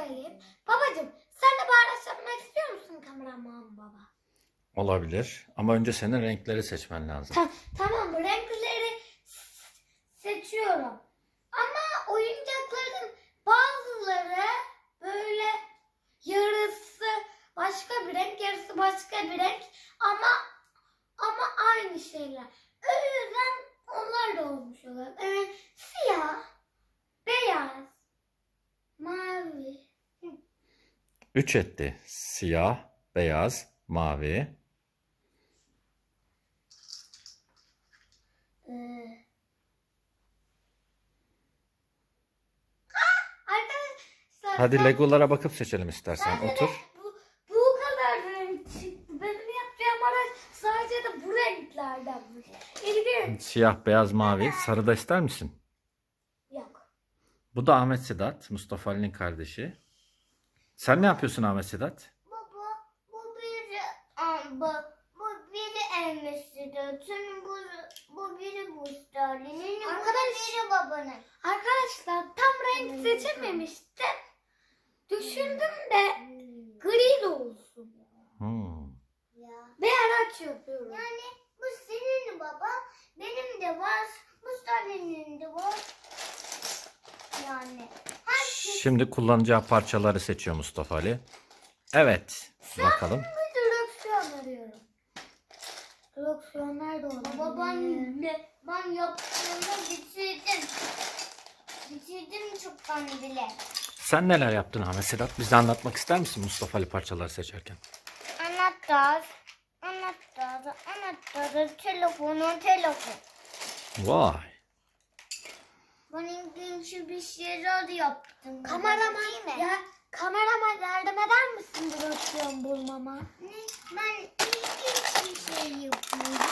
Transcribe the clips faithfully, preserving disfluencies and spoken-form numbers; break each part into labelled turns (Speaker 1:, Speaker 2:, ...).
Speaker 1: söyleyeyim. Babacığım sen de bağıraç yapmak istiyor musun kameraman baba?
Speaker 2: Olabilir. Ama önce senin renkleri seçmen lazım.
Speaker 1: Ta tamam renkleri seçiyorum. Ama oyuncakların bazıları böyle yarısı başka bir renk, yarısı başka bir renk ama ama aynı şeyler. O yüzden onlar da olmuş olur. Evet, siyah, beyaz, mavi.
Speaker 2: Üç etti. Siyah, beyaz, mavi.
Speaker 1: Ee, Arkadaşlar
Speaker 2: Hadi
Speaker 1: ben-
Speaker 2: Legolara bakıp seçelim istersen.
Speaker 1: bende de
Speaker 2: Otur.
Speaker 1: Bu, bu kadar renk çıktı. Benim yapacağım araç sadece de bu renklerdenmiş. İlginç.
Speaker 2: Siyah, beyaz, mavi. Sarı da ister misin?
Speaker 1: Yok.
Speaker 2: Bu da Ahmet Sedat. Mustafa Ali'nin kardeşi. Sen ne yapıyorsun Ahmet Sedat?
Speaker 3: Baba, bu biri amba, bu biri Elmesi'nin, bu bu biri Bustalin'in, bu
Speaker 1: Arkadaş-
Speaker 3: biri babanın.
Speaker 1: Arkadaşlar tam renk seçememiştim. Düşündüm de gri de olsun.
Speaker 2: Hmm.
Speaker 3: Ya.
Speaker 1: Bir araç yapıyorum.
Speaker 3: Yani bu senin baba, benim de var, Bustalin'in de var. Yani.
Speaker 2: Şimdi kullanacağı parçaları seçiyor Mustafa Ali. Evet. Bakalım.
Speaker 1: Bir direksiyon arıyorum. Direksiyon nerede olabilir?
Speaker 3: Baba ben, ben yaptığımı bitirdim. Bitirdim çoktan bile.
Speaker 2: Sen neler yaptın Ahmet Sedat? Bize anlatmak ister misin Mustafa Ali parçaları seçerken?
Speaker 3: Anahtar, anahtar, anahtar, telefonu, telefon.
Speaker 2: Vay.
Speaker 3: Ben ilginç bir şeyler yaptım.
Speaker 1: Kameraman
Speaker 3: Değil mi?
Speaker 1: ya kameraman yardım eder misin direksiyon bulmama?
Speaker 3: Ne? Ben ilginç bir şey yapıyorum.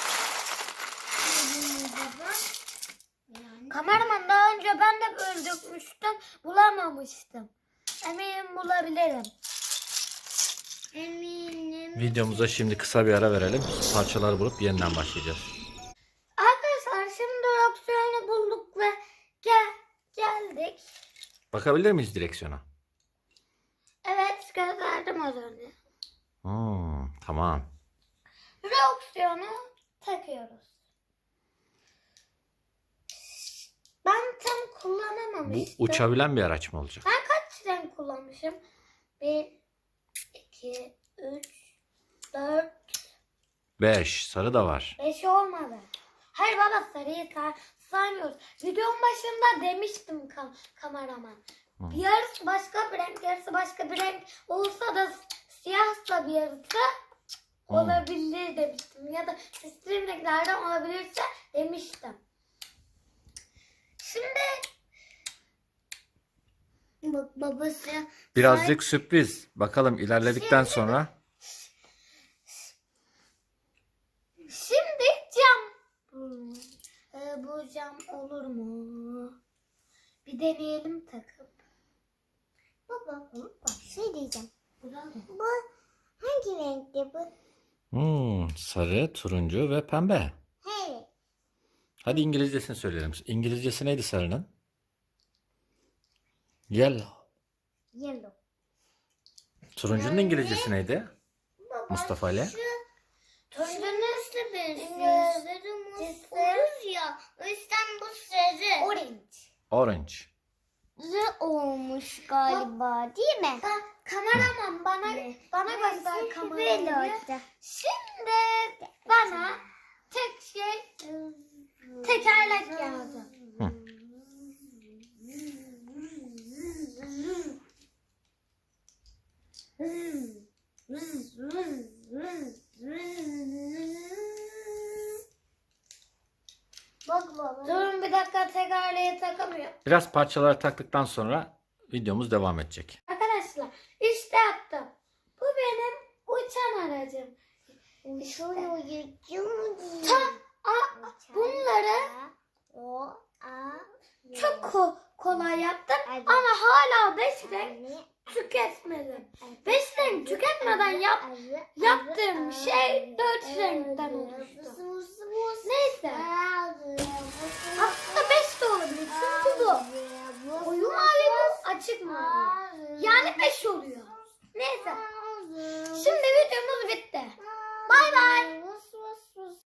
Speaker 3: Ne baba? Yani.
Speaker 1: Kameraman daha önce ben de böyle dökmüştüm, bulamamıştım. Eminim bulabilirim.
Speaker 3: Eminim.
Speaker 2: Videomuza şimdi kısa bir ara verelim. Parçaları bulup yeniden başlayacağız.
Speaker 1: Arkadaşlar şimdi direksiyonu bulduk ve gel geldik.
Speaker 2: Bakabilir miyiz direksiyona?
Speaker 1: Evet gösterdim az önce.
Speaker 2: Hmm, tamam.
Speaker 1: Direksiyonu takıyoruz. Ben tam
Speaker 2: Bu
Speaker 1: kullanamamıştım.
Speaker 2: uçabilen bir araç mı olacak?
Speaker 1: Ben kaç renk kullanmışım? Bir, iki, üç, dört,
Speaker 2: beş. Sarı da var.
Speaker 1: beş olmadı. Hayır baba sarıyı say saymıyoruz. Videonun başında demiştim kam kameraman.
Speaker 2: Hı.
Speaker 1: Bir yarısı başka bir renk, yarısı başka bir renk olsa da siyahsa bir yarısı
Speaker 2: Hı.
Speaker 1: olabilir demiştim. Ya da sistem renklerden olabilirse demiştim. Şimdi
Speaker 3: Bak babası.
Speaker 2: Birazcık sürpriz. Bakalım ilerledikten sonra.
Speaker 1: Şimdi cam. Hmm. Ee, bu cam olur mu? Bir deneyelim takıp.
Speaker 3: Baba, bak şey diyeceğim.
Speaker 1: Bu da ne?
Speaker 3: Bu hangi renkte bu?
Speaker 2: Hmm, sarı, turuncu ve pembe.
Speaker 3: Evet.
Speaker 2: Hadi İngilizcesini söyleyelim. İngilizcesi neydi sarının? Yellow.
Speaker 3: Yellow.
Speaker 2: Turuncunun İngilizcesi neydi?
Speaker 3: Baba,
Speaker 2: Mustafa Ali.
Speaker 3: Şu
Speaker 1: Turuncunun
Speaker 3: nasıl bir
Speaker 1: İngilizcesi-
Speaker 3: sarımız olur ya. O yüzden bu sarı.
Speaker 1: orange.
Speaker 2: Orange.
Speaker 3: Zı olmuş galiba değil mi?
Speaker 1: Ka kameraman bana
Speaker 3: Ne?
Speaker 1: bana
Speaker 3: Ben
Speaker 1: göster
Speaker 3: böyle
Speaker 1: kamerayı.
Speaker 3: oldu.
Speaker 1: Şimdi bana tek şey tekerlek lazım.
Speaker 2: Hı.
Speaker 3: Bak baba.
Speaker 1: Durun bir dakika tekerleği takamıyorum.
Speaker 2: Biraz parçaları taktıktan sonra videomuz devam edecek.
Speaker 1: Arkadaşlar işte yaptım. Bu benim uçan aracım.
Speaker 3: Şunu yiyeceğim.
Speaker 1: Ta a, bunları
Speaker 3: O a
Speaker 1: çok ko- kolay yaptım
Speaker 3: Hadi.
Speaker 1: ama hala beş renk tüketmedim. Beş renk tüketmeden yap, yaptığım şey dört renkten oluştu. Neyse. Aslında beş de olabilir çünkü bu koyu mavi bu açık mavi. Yani beş oluyor.